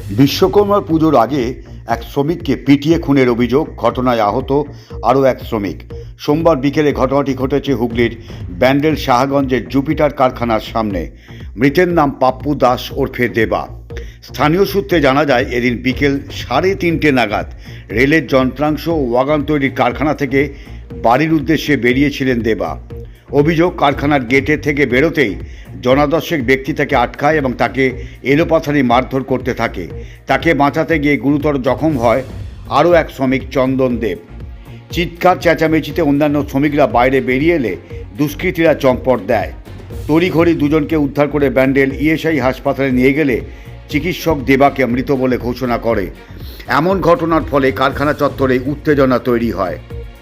বিশ্বকর্মা পুজোর আগে এক শ্রমিককে পিটিয়ে খুনের অভিযোগ, ঘটনায় আহত আরও এক শ্রমিক। সোমবার বিকেলে ঘটনাটি ঘটেছে হুগলির ব্যান্ডেল সাহাগঞ্জের জুপিটার কারখানার সামনে। মৃতের নাম পাপ্পু দাস ওরফে দেবা। স্থানীয় সূত্রে জানা যায়, এদিন বিকেল 3:30 নাগাদ রেলের যন্ত্রাংশ ও ওয়াগন তৈরির কারখানা থেকে বাড়ির উদ্দেশ্যে বেরিয়েছিলেন দেবা। অভিযোগ, কারখানার গেটে থেকে বেরোতেই জনাদশেক ব্যক্তি তাকে আটকায় এবং তাকে এলোপাথারি মারধর করতে থাকে। তাকে বাঁচাতে গিয়ে গুরুতর জখম হয় আরও এক শ্রমিক চন্দন দেব। চিৎকার চেঁচামেচিতে অন্যান্য শ্রমিকরা বাইরে বেরিয়ে এলে দুষ্কৃতীরা চম্পট দেয়। তড়িঘড়ি দুজনকে উদ্ধার করে ব্যান্ডেল ইএসআই হাসপাতালে নিয়ে গেলে চিকিৎসক দেবাকে মৃত বলে ঘোষণা করে। এমন ঘটনার ফলে কারখানা চত্বরে উত্তেজনা তৈরি হয়।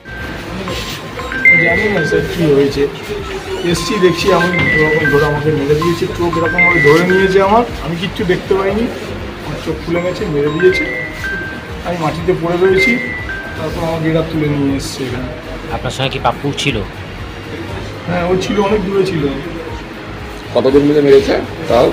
জানি না স্যার কী হয়েছে, এসছি দেখছি আমি এরকম ধরে আমাকে মেরে দিয়েছে, চোখ এরকমভাবে ধরে নিয়েছে আমি কিচ্ছু দেখতে পাইনি, আমার চোখ খুলে গেছে, মেরে দিয়েছে। আমি মাটিতে পড়ে রয়েছি, তারপর আমাকে এরা তুলে নিয়ে এসছে এখানে। আপনার সঙ্গে কি পাপ্পু ছিল? হ্যাঁ, ও ছিল, অনেক দূরে ছিল। কতজন মিলে মেরেছে তাও?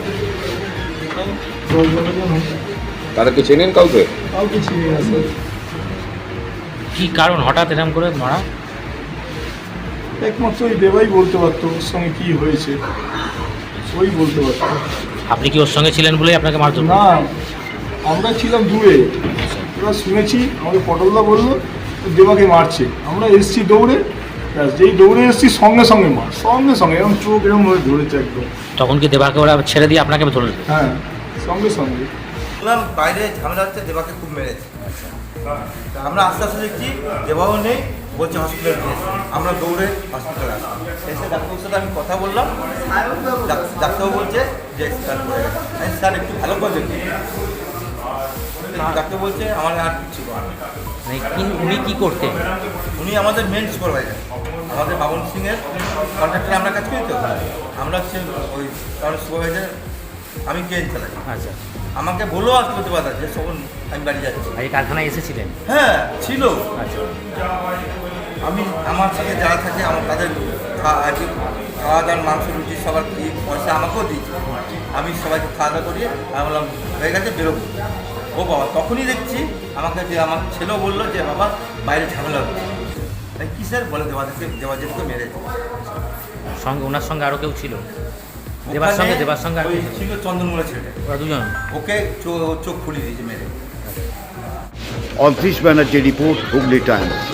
10-12 জন হয়েছে। তাদেরকে চেনেন কাউকে? কাউকে চিনি না স্যার। কি কারণ হঠাৎ এরকম করে মারা? একমাত্র ওই দেবাই বলতে পারতো ওর সঙ্গে কী হয়েছে, ওই বলতে পারতো। আপনি কি ওর সঙ্গে ছিলেন বলেই আপনাকে মারধর? না, আমরা ছিলাম দূরে, এবার শুনেছি, আমাকে পটলদা বললো দেবাকে মারছে। আমরা এসছি দৌড়ে, যেই দৌড়ে এসছি সঙ্গে সঙ্গে মার, সঙ্গে সঙ্গে এরকম চোখ এরকম হয়ে ধরেছে একদম। তখন কি দেবাকে ওরা ছেড়ে দিয়ে আপনাকে ধরল? হ্যাঁ, সঙ্গে সঙ্গে। বললাম বাইরে ঝামেলা হচ্ছে, দেবাকে খুব মেরেছে। তা আমরা আস্তে আস্তে দেখছি দেবাও নেই, বলছে হসপিটালে গিয়েছে। আমরা দৌড়ে হসপিটালে আসলাম, এসে ডাক্তারের সাথে আমি কথা বললাম। ডাক্তারবাবু বলছে যে স্ক্যান করে গেছে। আমি স্যার একটু ভালো করে দেখি। ডাক্তার বলছে আমার আর কিছু করার নেই। উনি কি করতেন? উনি আমাদের মেন সুপারভাইজার, আমাদের বাবন সিংয়ের কন্ট্রাক্টরে আমরা কাজ করি। তো আমরা হচ্ছে ওই কারণ সুপারভাইজার, আমি ট্রেন চালাই। আচ্ছা, আমাকে বলো আসতে করতে পারতাম যে তখন আমি বাড়ি যাচ্ছি। এই কারখানায় এসেছিলেন? হ্যাঁ ছিল। আচ্ছা, আমি আমার সাথে যারা থাকে আমার তাদের খাওয়া দাওয়ার মাংস রুটি সবার পয়সা আমাকেও দিয়েছি। আমি সবাইকে খাওয়া দাওয়া করিয়ে আমি বললাম হয়ে গেছে, বেরোবো। ও বাবা, তখনই দেখছি আমাকে যে আমার ছেলেও বললো যে বাবা বাইরে ঝামেলা হচ্ছে। তাই কী স্যার বলে দেবাজেতকে মেরেছে। সঙ্গে ওনার সঙ্গে আরও কেউ ছিল? দেবার সঙ্গে আর ওই ছিল চন্দনমূলা ছেলে, ওরা দুজন? ওকে চোখ ফুলিয়ে দিয়েছে মেরে। Adrish Banerjee report, Hooghly Times.